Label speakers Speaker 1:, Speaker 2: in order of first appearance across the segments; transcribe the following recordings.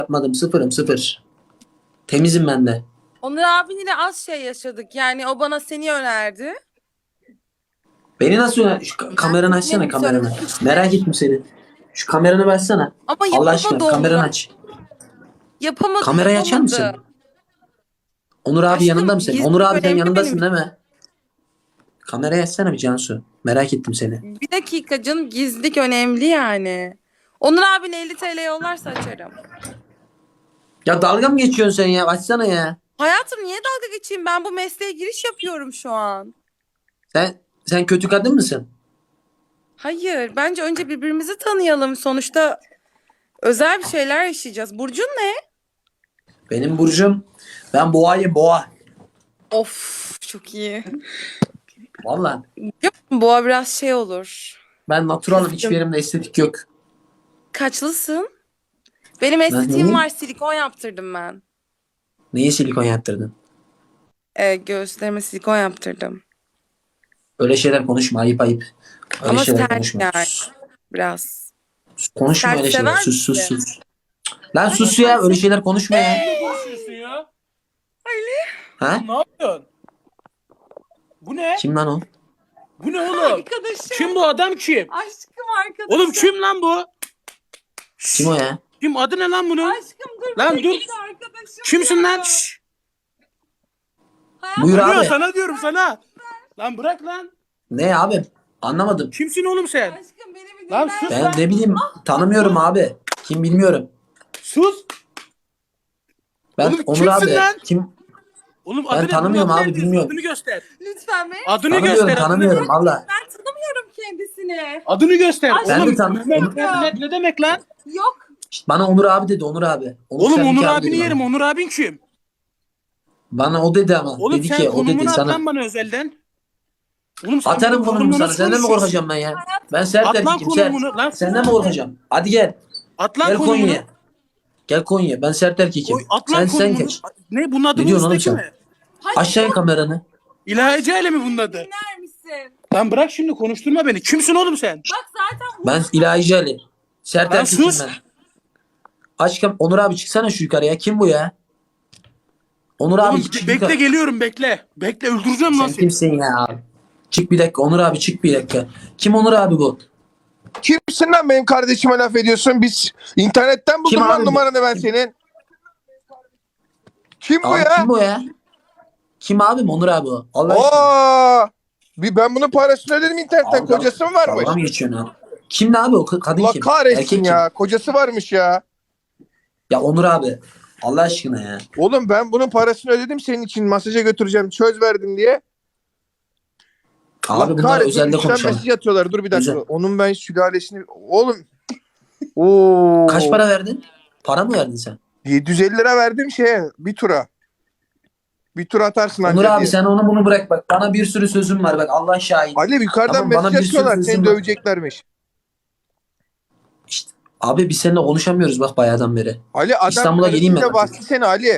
Speaker 1: yapmadım. Sıfırım sıfır. Temizim ben de.
Speaker 2: Onur abinle az şey yaşadık. Yani o bana seni önerdi.
Speaker 1: Beni nasıl şu kameranı açsana
Speaker 2: Benim söyledim
Speaker 1: kameranı.
Speaker 2: işte.
Speaker 1: Merak ettim seni. Şu kameranı versene.
Speaker 2: Ama
Speaker 1: Allah aşkına
Speaker 2: yapamadı
Speaker 1: kameranı
Speaker 2: onu.
Speaker 1: aç.
Speaker 2: Yapamadı,
Speaker 1: Kamerayı açar
Speaker 2: yapamadı.
Speaker 1: mısın? Onur abi
Speaker 2: Aşkım
Speaker 1: yanında mı senin? Onur
Speaker 2: gizlilik
Speaker 1: abi sen
Speaker 2: önemli benim
Speaker 1: yanındasın değil
Speaker 2: için.
Speaker 1: mi? Kamerayı açsana bir Cansu. Merak ettim seni.
Speaker 2: Bir dakika canım, gizlilik önemli yani. Onur abin 50 TL yollarsa açarım.
Speaker 1: Ya dalga mı geçiyorsun sen ya? Açsana ya.
Speaker 2: Hayatım niye dalga geçeyim? Ben bu mesleğe giriş yapıyorum şu an.
Speaker 1: Sen kötü kadın mısın?
Speaker 2: Hayır, bence önce birbirimizi tanıyalım. Sonuçta özel bir şeyler yaşayacağız. Burcun ne?
Speaker 1: Benim burcum. Ben boğayım boğa.
Speaker 2: Of, çok iyi.
Speaker 1: Valla.
Speaker 2: Yok mu? Boğa biraz şey olur.
Speaker 1: Ben naturalım.
Speaker 2: Kızgın.
Speaker 1: Hiçbir yerimde estetik yok.
Speaker 2: Kaçlısın? Benim
Speaker 1: Ben
Speaker 2: estetiğim
Speaker 1: neyi?
Speaker 2: var. Silikon yaptırdım ben.
Speaker 1: Neyi silikon yaptırdın?
Speaker 2: Göğüslerime silikon yaptırdım.
Speaker 1: Öyle şeyler konuşma. Ayıp ayıp. Öyle
Speaker 2: Ama
Speaker 1: şeyler
Speaker 2: sert
Speaker 1: konuşma.
Speaker 2: yani
Speaker 1: Sus.
Speaker 2: biraz.
Speaker 1: Konuşma
Speaker 2: Sert
Speaker 1: öyle şeyler.
Speaker 2: sever
Speaker 1: Sus sus
Speaker 2: misin?
Speaker 1: sus. Lan sus ya. Öyle şeyler konuşma ya.
Speaker 3: Ne konuşuyorsun ya?
Speaker 1: Ha?
Speaker 3: Ne yapıyorsun? Bu ne?
Speaker 1: Kim lan o?
Speaker 3: Bu ne oğlum?
Speaker 2: Arkadaşım.
Speaker 3: Kim bu adam kim?
Speaker 2: Aşkım arkadaşım.
Speaker 3: Oğlum kim lan bu?
Speaker 1: Kim o ya?
Speaker 3: Kim adı ne lan bunun?
Speaker 2: Aşkım dur.
Speaker 3: Lan
Speaker 2: bir
Speaker 3: dur.
Speaker 2: dakika arkadaşım
Speaker 3: Kimsin
Speaker 2: ya.
Speaker 3: lan? Şşş.
Speaker 1: Buyur
Speaker 3: Diyor
Speaker 1: abi.
Speaker 3: sana diyorum sana. Lan bırak lan.
Speaker 1: Ne abi? Anlamadım.
Speaker 3: Kimsin oğlum sen?
Speaker 2: Aşkım beni bir
Speaker 3: Lan
Speaker 2: dinler
Speaker 3: sus
Speaker 2: misin?
Speaker 1: Ben ne bileyim. Tanımıyorum abi. Kim bilmiyorum.
Speaker 3: Sus.
Speaker 1: Ben
Speaker 3: Oğlum
Speaker 1: Onur
Speaker 3: kimsin
Speaker 1: abi.
Speaker 3: lan?
Speaker 1: Kim?
Speaker 3: Oğlum
Speaker 1: Ben
Speaker 3: adı ne?
Speaker 1: tanımıyorum
Speaker 3: Bunun
Speaker 1: abi,
Speaker 3: adını
Speaker 1: bilmiyorum.
Speaker 3: Adını göster.
Speaker 2: Lütfen beni.
Speaker 3: Adını
Speaker 1: Tanımıyorum
Speaker 3: göster.
Speaker 1: tanımıyorum valla.
Speaker 2: Ben tanımıyorum kendisini.
Speaker 3: Adını göster.
Speaker 1: Ben de
Speaker 3: Oğlum
Speaker 1: tanı-
Speaker 3: ne demek lan?
Speaker 2: Yok.
Speaker 1: İşte bana Onur abi dedi Onur abi.
Speaker 3: Oğlum
Speaker 1: Seninki
Speaker 3: Onur
Speaker 1: abi
Speaker 3: abini
Speaker 1: dedi bana.
Speaker 3: yerim. Onur abin kim?
Speaker 1: Bana o dedi ama.
Speaker 3: Oğlum
Speaker 1: Dedi
Speaker 3: sen
Speaker 1: ki o
Speaker 3: konumunu
Speaker 1: dedi
Speaker 3: at
Speaker 1: sana.
Speaker 3: lan bana özelden. Oğlum sen
Speaker 1: Atarım
Speaker 3: benim
Speaker 1: konumu
Speaker 3: konumla
Speaker 1: sana.
Speaker 3: nasıl
Speaker 1: Senden mi
Speaker 3: konuşuyorsun?
Speaker 1: korkacağım ben ya? Ben sert
Speaker 3: At lan
Speaker 1: erkekim sert.
Speaker 3: konumunu. Lan
Speaker 1: Senden mi korkacağım? Hadi gel.
Speaker 3: At lan
Speaker 1: Gel
Speaker 3: konumunu.
Speaker 1: Konya'ya. Gel Konya'ya. Ben sert erkekim.
Speaker 3: Oy, at lan
Speaker 1: Sen
Speaker 3: konumunu.
Speaker 1: geç.
Speaker 3: Ne bunun adı
Speaker 1: Ne
Speaker 3: bu
Speaker 1: diyorsun oğlum
Speaker 3: üstteki
Speaker 1: sen?
Speaker 3: mi?
Speaker 1: Aşağı in kameranı.
Speaker 3: İlahi Cale mi bunun adı?
Speaker 2: Dinler misin?
Speaker 3: Lan bırak şimdi konuşturma beni. Kimsin oğlum sen?
Speaker 2: Bak zaten
Speaker 1: Ben İlahi Ali. Sert
Speaker 3: Lan
Speaker 1: erkekim
Speaker 3: sus.
Speaker 1: ben. Onur abi çıksana şu yukarıya. Kim bu ya? Onur abi
Speaker 3: Oğlum
Speaker 1: çık
Speaker 3: bekle
Speaker 1: yukarı.
Speaker 3: geliyorum bekle. Bekle öldüreceğim lan
Speaker 1: Sen
Speaker 3: seni.
Speaker 1: kimsin ya? Çık bir dakika Onur abi çık bir dakika. Kim Onur abi bu?
Speaker 4: Kimsin lan benim kardeşime laf ediyorsun? Biz internetten buldum
Speaker 1: Kim
Speaker 4: lan
Speaker 1: abi?
Speaker 4: numaranı ben senin. Kim bu
Speaker 1: Abi
Speaker 4: ya?
Speaker 1: kim bu ya? Kim abim Onur abi o? Allah aşkına.
Speaker 4: Aa! Ben bunun parasını ödedim internetten.
Speaker 1: Abi,
Speaker 4: Kocası mı varmış?
Speaker 1: Dalga mı geçiyorsun abi? Kim ne abi o? Kadın
Speaker 4: Allah
Speaker 1: kim?
Speaker 4: kahretsin
Speaker 1: Erkek
Speaker 4: ya.
Speaker 1: kim?
Speaker 4: Kocası varmış ya.
Speaker 1: Ya Onur abi. Allah aşkına ya.
Speaker 4: Oğlum ben bunun parasını ödedim senin için. Masaja götüreceğim. Söz verdim diye.
Speaker 1: Abi bunlar özelde
Speaker 4: Üçten
Speaker 1: konuşalım.
Speaker 4: mesaj atıyorlar. Dur bir dakika.
Speaker 1: Özel.
Speaker 4: Onun ben sülalesini... Oğlum. Oo.
Speaker 1: Kaç para verdin? Para mı verdin sen?
Speaker 4: 750 lira verdim şeye. Bir tura. Bir tur atarsın
Speaker 1: Onur
Speaker 4: anca
Speaker 1: abi
Speaker 4: diye.
Speaker 1: sen onu bunu bırak bak. Bana bir sürü sözüm var bak. Allah şahit.
Speaker 4: Ali yukarıdan
Speaker 1: Tamam, bana
Speaker 4: mesaj
Speaker 1: bir sürü
Speaker 4: atıyorlar.
Speaker 1: sözüm
Speaker 4: Seni
Speaker 1: var.
Speaker 4: döveceklermiş.
Speaker 1: İşte, abi biz seninle konuşamıyoruz bak bayağıdan beri.
Speaker 4: Ali adam
Speaker 1: İstanbul'a geleyim ben
Speaker 4: karısıyla
Speaker 1: artık.
Speaker 4: bastı seni Ali.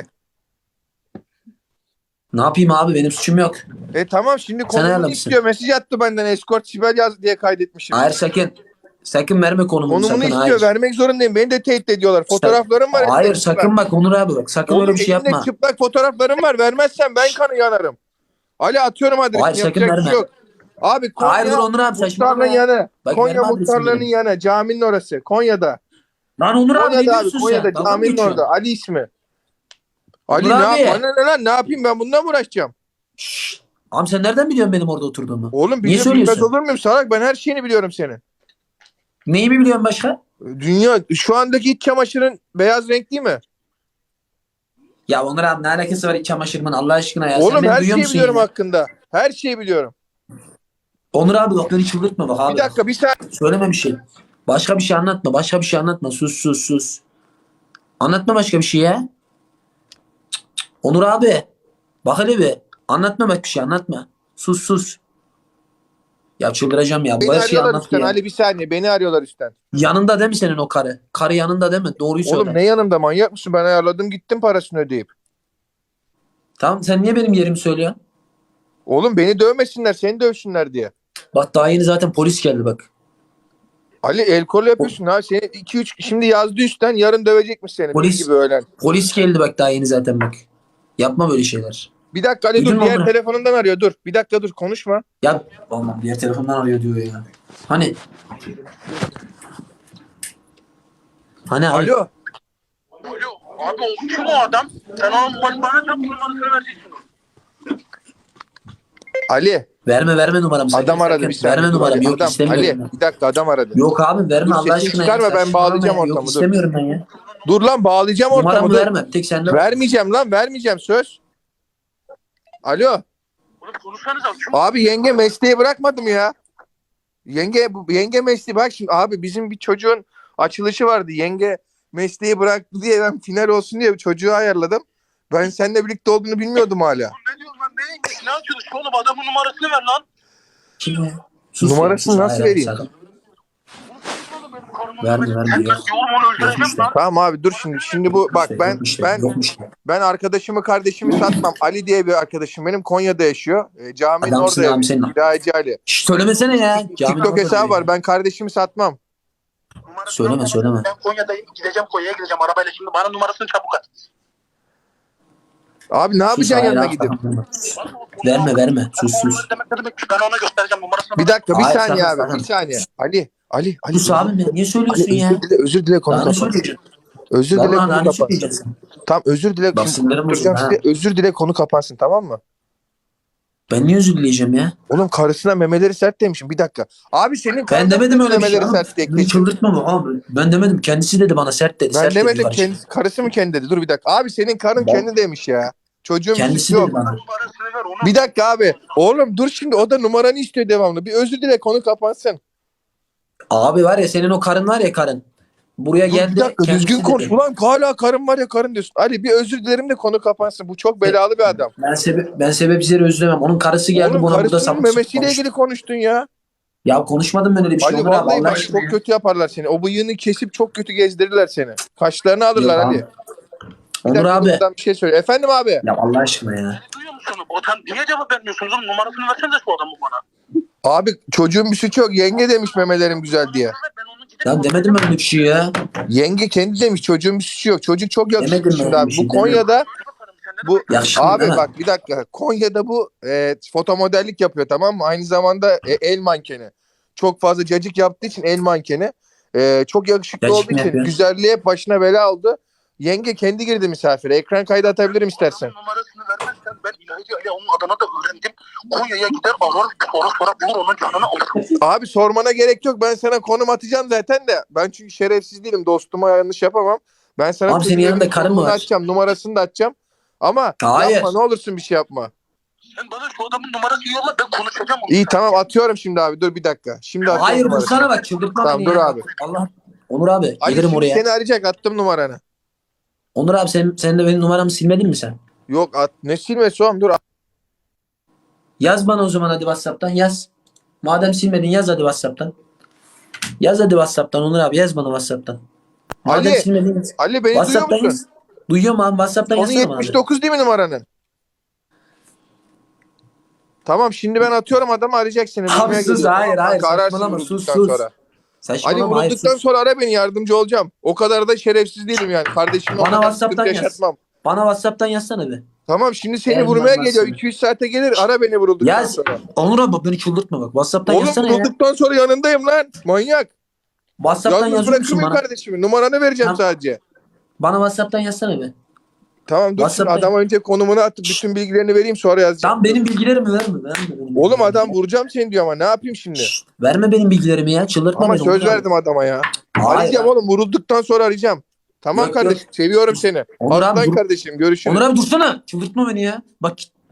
Speaker 1: Ne yapayım abi benim suçum yok.
Speaker 4: Tamam şimdi
Speaker 1: Sen
Speaker 4: konumunu
Speaker 1: ayarlamışsın.
Speaker 4: istiyor. Mesaj attı benden. Escort Sibel yaz diye kaydetmişim.
Speaker 1: Hayır sakın. Sakın verme konumunu
Speaker 4: Konumunu
Speaker 1: sakın.
Speaker 4: istiyor.
Speaker 1: Hayır.
Speaker 4: Vermek zorundayım. Beni de tehdit ediyorlar. Fotoğraflarım var.
Speaker 1: Hayır
Speaker 4: elimde çıplak.
Speaker 1: sakın bak Onur abi bak. Sakın
Speaker 4: Oğlum
Speaker 1: öyle bir şey
Speaker 4: elimde
Speaker 1: yapma.
Speaker 4: çıplak fotoğraflarım var. Vermezsen ben kanı yanarım. Ali atıyorum adresini.
Speaker 1: Hayır, sakın
Speaker 4: Yapacak bir
Speaker 1: verme.
Speaker 4: şey yok. Abi Konya
Speaker 1: Hayır dur Onur abi saçmalama
Speaker 4: muhtarlığın
Speaker 1: ya.
Speaker 4: yanı.
Speaker 1: Bak,
Speaker 4: Konya
Speaker 1: verme adresini
Speaker 4: muhtarlığının
Speaker 1: benim.
Speaker 4: yanı. Caminin orası. Konya'da.
Speaker 1: Lan Onur abi ne
Speaker 4: Konya'da abi.
Speaker 1: diyorsun
Speaker 4: Konya'da
Speaker 1: sen? Dalga mı
Speaker 4: caminin
Speaker 1: geçiyorsun?
Speaker 4: orada. Ali ismi. Ali
Speaker 1: Onur
Speaker 4: ne
Speaker 1: abi.
Speaker 4: yap? Bana ne lan? Ne yapayım ben bundan mı uğraşacağım?
Speaker 1: Şşş. Abi sen nereden biliyorsun benim orada oturduğumu?
Speaker 4: Oğlum
Speaker 1: Niye
Speaker 4: bilmez
Speaker 1: söylüyorsun?
Speaker 4: olur muyum salak? Ben her şeyini biliyorum senin.
Speaker 1: Neyi mi biliyorsun başka?
Speaker 4: Dünya şu andaki iç çamaşırın beyaz renk değil mi?
Speaker 1: Ya Onur abi ne alakası var iç çamaşırımın Allah aşkına ya. Sen
Speaker 4: Oğlum
Speaker 1: beni
Speaker 4: her
Speaker 1: duyuyor
Speaker 4: şeyi
Speaker 1: musun
Speaker 4: biliyorum
Speaker 1: ya?
Speaker 4: hakkında. Her şeyi biliyorum.
Speaker 1: Onur abi bak beni çıldırtma bak abi.
Speaker 4: Bir dakika bir saniye.
Speaker 1: Söyleme bir şey. Başka bir şey anlatma. Başka bir şey anlatma. Sus sus sus. Anlatma başka bir şey ya. Cık, cık. Onur abi. Bak hele bir. Anlatma bak bir şey anlatma. Sus sus. Ya çıldıracağım ya. Bu
Speaker 4: Beni
Speaker 1: her şeyi
Speaker 4: arıyorlar
Speaker 1: anlattı
Speaker 4: üstten.
Speaker 1: ya.
Speaker 4: Ali bir saniye. Beni arıyorlar üstten.
Speaker 1: Yanında değil mi senin o karı? Karı yanında değil mi? Doğruyu söyle.
Speaker 4: Oğlum ne yanımda manyak mısın? Ben ayarladım gittim parasını ödeyip.
Speaker 1: Tamam sen niye benim yerimi söylüyorsun?
Speaker 4: Oğlum beni dövmesinler seni dövsünler diye.
Speaker 1: Bak daha yeni zaten polis geldi bak.
Speaker 4: Ali el kol yapıyorsun ha. Seni 2-3 şimdi yazdı üstten, yarın dövecekmiş seni.
Speaker 1: Polis-
Speaker 4: Bir gibi öğlen.
Speaker 1: Polis geldi bak daha yeni zaten bak. Yapma böyle şeyler.
Speaker 4: Bir dakika Ali
Speaker 1: Duydun
Speaker 4: dur,
Speaker 1: mu
Speaker 4: diğer
Speaker 1: onu?
Speaker 4: telefonundan arıyor. Dur. Bir dakika dur, konuşma.
Speaker 1: Ya vallahi diğer telefondan arıyor diyor ya. Hani abi.
Speaker 4: Alo.
Speaker 3: Alo abi o kim o adam? Sen onun bana tam numarasını vereceksin.
Speaker 4: Ali.
Speaker 1: Verme numaramı. sakın,
Speaker 4: Adam aradı
Speaker 1: sakın.
Speaker 4: bir saniye.
Speaker 1: Verme
Speaker 4: Dur
Speaker 1: numaramı.
Speaker 4: Ali,
Speaker 1: Yok
Speaker 4: adam,
Speaker 1: istemiyorum.
Speaker 4: Ali
Speaker 1: ben.
Speaker 4: bir dakika, adam aradı.
Speaker 1: Yok abi verme
Speaker 4: Dur,
Speaker 1: Allah
Speaker 4: sesini
Speaker 1: aşkına.
Speaker 4: çıkarma,
Speaker 1: ya.
Speaker 4: ben
Speaker 1: Saçmalama
Speaker 4: bağlayacağım
Speaker 1: ya.
Speaker 4: ortamı,
Speaker 1: Yok
Speaker 4: dur.
Speaker 1: istemiyorum ben ya.
Speaker 4: Dur lan, bağlayacağım ortamı.
Speaker 1: Numaramı
Speaker 4: Dur.
Speaker 1: verme. Tek sende.
Speaker 4: Vermeyeceğim lan, vermeyeceğim, söz. Alo.
Speaker 3: Oğlum konuşsanıza kim?
Speaker 4: Abi yenge mesleği bırakmadım ya. Yenge mesleği, bak şimdi abi, bizim bir çocuğun açılışı vardı. Yenge mesleği bıraktı diye ben final olsun diye bir çocuğu ayarladım. Ben seninle birlikte olduğunu bilmiyordum hala.
Speaker 3: Ne diyorsun lan? Ne açılış oğlum? Adamın numarasını ver lan.
Speaker 1: Kim ya? Sus
Speaker 4: Numarasını
Speaker 1: ya, sus.
Speaker 4: nasıl
Speaker 1: Hayır,
Speaker 4: vereyim?
Speaker 1: sakın.
Speaker 3: Oğlum benim karnımı
Speaker 1: Verme,
Speaker 3: ver.
Speaker 1: verme,
Speaker 3: Sen
Speaker 1: yok.
Speaker 3: diyorum onu öldüreceğim
Speaker 1: Yok işte.
Speaker 3: lan.
Speaker 4: Tamam abi dur şimdi bu bak,
Speaker 1: İşte,
Speaker 4: ben
Speaker 1: yok işte,
Speaker 4: ben
Speaker 1: yok işte.
Speaker 4: ben arkadaşımı kardeşimi satmam. Ali diye bir arkadaşım benim, Konya'da yaşıyor. Caminin
Speaker 1: Adamsın
Speaker 4: orada
Speaker 1: abi
Speaker 4: yaşıyor.
Speaker 1: senin.
Speaker 4: Hidayeci Ali.
Speaker 1: Şşş, söylemesene ya. Caminin
Speaker 4: TikTok
Speaker 1: orada
Speaker 4: hesabı
Speaker 1: diyor.
Speaker 4: var. Ben kardeşimi satmam.
Speaker 3: Numarasını
Speaker 1: Söyleme.
Speaker 3: Ben Konya'dayım. Konya'ya gideceğim arabayla şimdi. Bana numarasını çabuk at.
Speaker 4: Abi ne
Speaker 1: Sus,
Speaker 4: yapacaksın
Speaker 1: hayır,
Speaker 4: yanına
Speaker 1: abi,
Speaker 4: gidip?
Speaker 1: tamam. Verme. Sus.
Speaker 3: Ben ona göstereceğim numarasını.
Speaker 4: Bir dakika, bir
Speaker 1: Hayır,
Speaker 4: saniye
Speaker 1: sakın,
Speaker 4: abi.
Speaker 1: sakın.
Speaker 4: Bir saniye. Ali.
Speaker 1: Sus abi ne? Niye söylüyorsun
Speaker 4: Ali,
Speaker 1: ya?
Speaker 4: özür dile konu
Speaker 1: Daha ne
Speaker 4: kapat.
Speaker 1: söyleyeceksin?
Speaker 4: Özür dile
Speaker 1: Vallahi daha
Speaker 4: konu
Speaker 1: ne
Speaker 4: kapat.
Speaker 1: söyleyeceksin?
Speaker 4: Tamam, özür dile.
Speaker 1: Bak
Speaker 4: Şimdi
Speaker 1: sinirlerim bozuldu
Speaker 4: konuşturacağım
Speaker 1: ha.
Speaker 4: size. Özür dile, konu kapansın, tamam mı?
Speaker 1: Ben niye özür dileyeceğim ya?
Speaker 4: Oğlum karısına memeleri sert demişim. Bir dakika. Abi senin
Speaker 1: Ben
Speaker 4: karın
Speaker 1: demedim öyle bir şey.
Speaker 4: memeleri
Speaker 1: Oğlum.
Speaker 4: sert diye
Speaker 1: Beni
Speaker 4: kesin.
Speaker 1: çıldırtma mı abi? Ben demedim. Kendisi dedi bana sert dedi.
Speaker 4: Ben
Speaker 1: sert dedi
Speaker 4: demedim,
Speaker 1: karşı.
Speaker 4: kendisi, karısı mı kendi dedi? Dur bir dakika. Abi senin karın
Speaker 1: Ben-
Speaker 4: kendi demiş ya. Çocuğun
Speaker 1: Kendisi
Speaker 4: birisi yok.
Speaker 1: dedi bana.
Speaker 3: Numarasını ver onu.
Speaker 4: Bir dakika abi. Oğlum dur şimdi, o da numaranı istiyor devamlı. Bir özür dile, konu kapansın.
Speaker 1: Abi var ya senin o karın var ya karın. Buraya
Speaker 4: Dur,
Speaker 1: geldi.
Speaker 4: bir dakika,
Speaker 1: kendisi
Speaker 4: düzgün konuş.
Speaker 1: dedi.
Speaker 4: Ulan hala karın var ya karın diyorsun. Ali bir özür dilerim de konu kapansın. Bu çok belalı bir adam.
Speaker 1: Ben sebepsizleri özlemem. Onun karısı geldi
Speaker 4: Oğlum
Speaker 1: bana burada
Speaker 4: karısının
Speaker 1: sapık
Speaker 4: memesiyle
Speaker 1: konuştu.
Speaker 4: ilgili konuştun ya.
Speaker 1: Ya konuşmadım ben öyle bir şey.
Speaker 4: Ali
Speaker 1: Onur abi
Speaker 4: vallahi
Speaker 1: Allah
Speaker 4: bak,
Speaker 1: aşkına
Speaker 4: çok
Speaker 1: ya.
Speaker 4: kötü yaparlar seni. O bıyığını kesip çok kötü gezdirirler seni. Kaşlarını alırlar
Speaker 1: Yok
Speaker 4: Ali.
Speaker 1: abi.
Speaker 4: Bir
Speaker 1: Onur
Speaker 4: dakika,
Speaker 1: abi.
Speaker 4: buradan bir şey söyle. Efendim abi.
Speaker 1: Ya Allah aşkına ya.
Speaker 3: Ne duyuyor musun? Niye cevap vermiyorsunuz oğlum? Numarasını versenize şu adamın bana.
Speaker 4: Abi çocuğun bir suçu yok. Yenge demiş memelerim güzel diye.
Speaker 3: Ben onu gidip
Speaker 1: Ya demedim ben öyle bir şey ya.
Speaker 4: Yenge kendi demiş, çocuğun bir suçu yok. Çocuk çok yakışıklı
Speaker 1: Demedim
Speaker 4: şimdi
Speaker 1: ben
Speaker 4: abi.
Speaker 1: bir şey,
Speaker 4: Bu Konya'da bu
Speaker 1: Yakışıklı
Speaker 4: abi
Speaker 1: değil mi?
Speaker 4: bak bir dakika. Konya'da bu foto modellik yapıyor, tamam mı? Aynı zamanda el mankeni. Çok fazla cacık yaptığı için el mankeni. Çok yakışıklı
Speaker 1: Cacık
Speaker 4: olduğu
Speaker 1: mı
Speaker 4: için
Speaker 1: yapıyor?
Speaker 4: güzelliğe hep başına bela oldu. Yenge kendi girdi misafire. Ekran kaydı atabilirim istersen.
Speaker 3: numarasını vermezsen ben İlahi Ali onun adına da öğrendim. Konya'ya gider arar sonra bulur onun canını alır.
Speaker 4: Abi sormana gerek yok. Ben sana konum atacağım zaten de. Ben çünkü şerefsiz değilim. Dostuma yanlış yapamam. Ben sana
Speaker 1: Abi senin
Speaker 4: çocuğun
Speaker 1: yanında karın mı
Speaker 4: konumunu
Speaker 1: var?
Speaker 4: atacağım. Numarasını da atacağım. Ama
Speaker 1: Hayır.
Speaker 4: yapma, ne olursun bir şey yapma.
Speaker 3: Sen bana şu adamın numarasını yolla ben konuşacağım onu.
Speaker 4: İyi tamam, atıyorum şimdi abi. Dur bir dakika. Şimdi atıyorum
Speaker 1: Hayır
Speaker 4: numarasını.
Speaker 1: dursana bak çıldırtma
Speaker 4: Tamam,
Speaker 1: beni
Speaker 4: dur
Speaker 1: ya.
Speaker 4: abi.
Speaker 1: Allah. Onur abi
Speaker 4: Ali
Speaker 1: gelirim
Speaker 4: şimdi
Speaker 1: oraya.
Speaker 4: seni arayacak, attım numaranı.
Speaker 1: Onur abi sen de benim numaramı silmedin mi sen?
Speaker 4: Yok ne silmesi oğlum, dur.
Speaker 1: Yaz bana o zaman hadi WhatsApp'tan yaz. Madem silmedin yaz hadi WhatsApp'tan. Yaz hadi WhatsApp'tan Onur abi yaz bana WhatsApp'tan. Madem
Speaker 4: Ali,
Speaker 1: silmedin yaz.
Speaker 4: Ali beni duyuyor
Speaker 1: WhatsApp'tan
Speaker 4: musun?
Speaker 1: yaz. Duyuyorum abi WhatsApp'tan
Speaker 4: Onun
Speaker 1: yazsana bana.
Speaker 4: 79 değil mi numaranın? Tamam şimdi ben atıyorum, adamı arayacak seni.
Speaker 1: Abi
Speaker 4: Bulmaya
Speaker 1: sus,
Speaker 4: geliyor.
Speaker 1: hayır,
Speaker 4: Tamam,
Speaker 1: hayır,
Speaker 4: kanka, ararsın
Speaker 1: saçmalama,
Speaker 4: vurulduktan
Speaker 1: sus.
Speaker 4: sonra. Ali
Speaker 1: Saçmalama hayır
Speaker 4: vurulduktan
Speaker 1: sus.
Speaker 4: sonra ara beni, yardımcı olacağım. O kadar da şerefsiz değilim yani. Kardeşimle o
Speaker 1: Bana
Speaker 4: kadar
Speaker 1: WhatsApp'tan
Speaker 4: sıkıntı
Speaker 1: yaz.
Speaker 4: yaşatmam.
Speaker 1: Bana WhatsApp'tan yazsana bir.
Speaker 4: Tamam şimdi seni
Speaker 1: Elman
Speaker 4: vurmaya
Speaker 1: var
Speaker 4: geliyor.
Speaker 1: sana.
Speaker 4: 200 saate gelir, ara beni vurulduktan
Speaker 1: Yaz.
Speaker 4: sonra.
Speaker 1: Onur abi bak beni çıldırtma bak. WhatsApp'tan
Speaker 4: Oğlum
Speaker 1: yazsana ya.
Speaker 4: vurulduktan sonra yanındayım lan. Manyak.
Speaker 1: WhatsApp'tan
Speaker 4: Yalnız
Speaker 1: yazıyor
Speaker 4: bırakır
Speaker 1: musun
Speaker 4: mıyım
Speaker 1: bana?
Speaker 4: kardeşimi? Numaranı vereceğim
Speaker 1: Tamam.
Speaker 4: sadece.
Speaker 1: Bana WhatsApp'tan yazsana bir.
Speaker 4: Tamam dur, şimdi
Speaker 1: WhatsApp'tan-
Speaker 4: adam önce konumunu atıp bütün bilgilerini vereyim, sonra yazacağım.
Speaker 1: Tamam benim bilgilerimi verme. Benim
Speaker 4: Oğlum
Speaker 1: bilgilerimi.
Speaker 4: adam vuracağım seni diyor ama ne yapayım şimdi?
Speaker 1: Verme benim bilgilerimi ya. Çıldırtma
Speaker 4: Ama
Speaker 1: beni.
Speaker 4: söz
Speaker 1: Onur abi.
Speaker 4: verdim adama ya.
Speaker 1: Hayır.
Speaker 4: Arayacağım oğlum, vurulduktan sonra arayacağım. Tamam
Speaker 1: Yok,
Speaker 4: kardeşim, seviyorum seni.
Speaker 1: Onur abi
Speaker 4: Aslan
Speaker 1: dur.
Speaker 4: kardeşim, görüşürüz.
Speaker 1: Onur abi dursana. Çıldırtma beni ya. Bak